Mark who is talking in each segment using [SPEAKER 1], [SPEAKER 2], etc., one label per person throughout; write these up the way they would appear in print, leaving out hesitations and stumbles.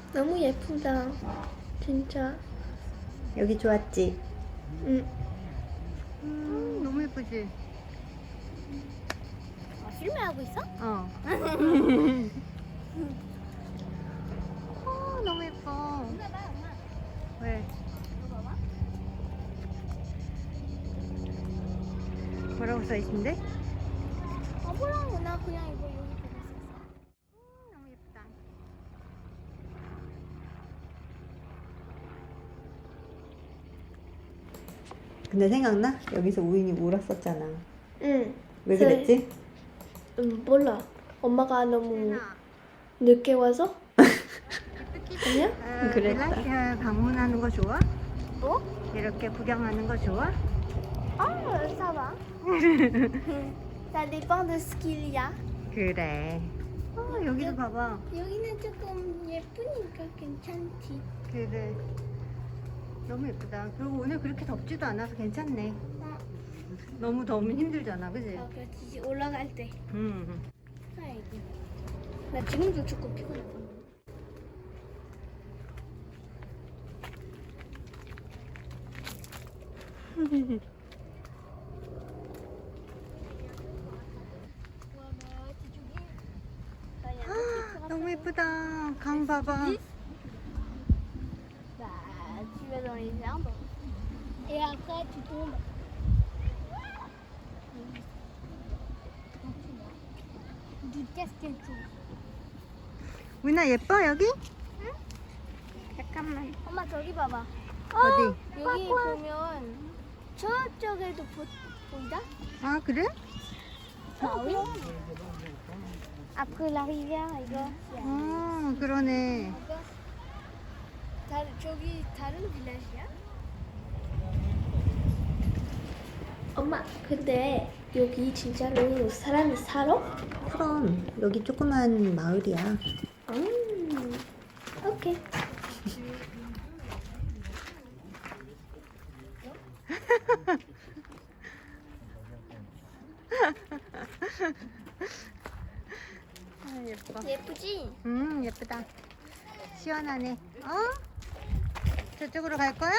[SPEAKER 1] 너무 예쁘다. 진짜.
[SPEAKER 2] 여기 좋았지?
[SPEAKER 1] 응.
[SPEAKER 2] 너무 예쁘지?
[SPEAKER 1] 필름하고 있어?
[SPEAKER 2] 어. 너무 예뻐. 왜? 뭐라고 써있는데?
[SPEAKER 1] 뭐라고 나 그냥 이거 여기 보고 있었어.
[SPEAKER 2] 너무 예쁘다. 근데 생각나? 여기서 우인이 울었었잖아.
[SPEAKER 1] 응.
[SPEAKER 2] 왜 그랬지?
[SPEAKER 1] 몰라. 엄마가 너무 늦게 와서? 아니야?
[SPEAKER 2] 그랬다. 벨라시아 방문하는 거 좋아?
[SPEAKER 1] 뭐?
[SPEAKER 2] 이렇게 구경하는 거 좋아?
[SPEAKER 1] ça va. Ça dépend de ce qu'il y a.
[SPEAKER 2] 그래. 여기도 봐봐.
[SPEAKER 1] 여기는 조금 예쁘니까 괜찮지.
[SPEAKER 2] 그래. 너무 예쁘다. 그리고 오늘 그렇게 덥지도 않아서 괜찮네. 너무 더우면 힘들잖아, 그지?
[SPEAKER 1] 그렇지. 올라갈 때. 아이고. 나 지금도 조금 피곤해.
[SPEAKER 2] 너무 예쁘다. 강 봐봐.
[SPEAKER 1] Bah, tu vas dans les arbres et après tu tombes. Du casquette.
[SPEAKER 2] 우인아 예뻐 여기?
[SPEAKER 1] 잠깐만. 엄마 저기 봐봐.
[SPEAKER 2] 어디?
[SPEAKER 1] 여기 보면 저쪽에도 보인다?
[SPEAKER 2] 아 그래?
[SPEAKER 1] Ah oui. Après la rivière 이거.
[SPEAKER 2] 그러네.
[SPEAKER 1] 저기 다른 빌라지야? 엄마, 근데 여기 진짜로 사람이 살아?
[SPEAKER 2] 그럼 여기 조그만 마을이야.
[SPEAKER 1] 오케이.
[SPEAKER 2] 예뻐.
[SPEAKER 1] 예쁘지?
[SPEAKER 2] 예쁘다. 시원하네. 저쪽으로 갈 거야?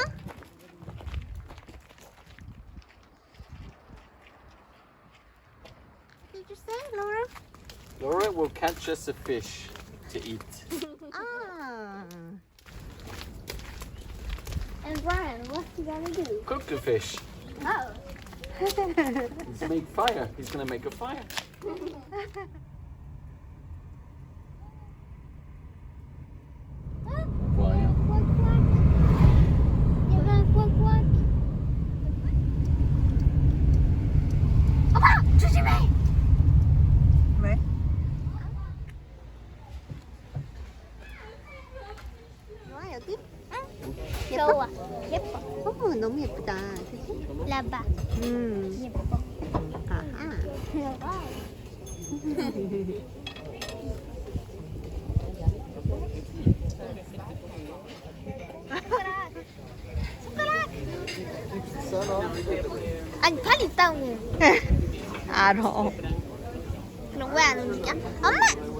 [SPEAKER 2] Did you say, Laura?
[SPEAKER 3] Laura will catch us a fish to eat.
[SPEAKER 2] 아.
[SPEAKER 1] And Brian, what's he gonna do?
[SPEAKER 3] Cook the fish.
[SPEAKER 1] Oh.
[SPEAKER 3] Let's make fire. He's gonna make a fire. Fire.
[SPEAKER 1] Quack, quack. 얘가 quack, quack. 엄마, 조심해!
[SPEAKER 2] 왜? 좋아 여기?
[SPEAKER 1] 좋아. 예뻐.
[SPEAKER 2] 너무 예쁘다. 그치?
[SPEAKER 1] 라바. 예뻐.
[SPEAKER 2] 아하.
[SPEAKER 1] 라바. 아니 팔 있다고.
[SPEAKER 2] 알아.
[SPEAKER 1] 그럼 왜 안 움직여? 엄마!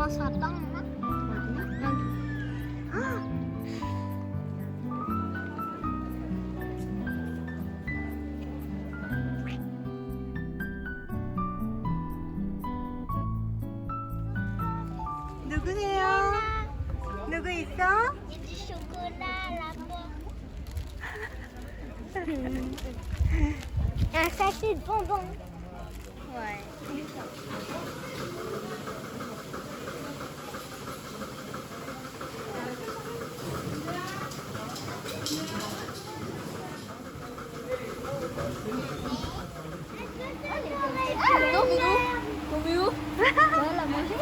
[SPEAKER 1] commencera par moi.
[SPEAKER 2] 어디야? 여기. 누구세요? 누구 있어?
[SPEAKER 1] Il y a du chocolat là-bas. Un sachet de bonbons. Ouais. Non, mais non. Non, mais où? On l'a mangé.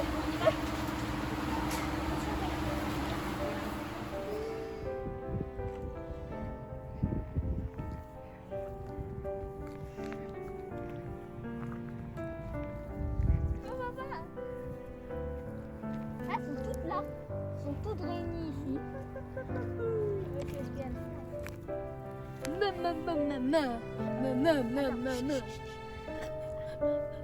[SPEAKER 1] Ah, elles sont toutes là. Elles sont toutes réunies ici. Maman, maman, maman, maman, maman, maman.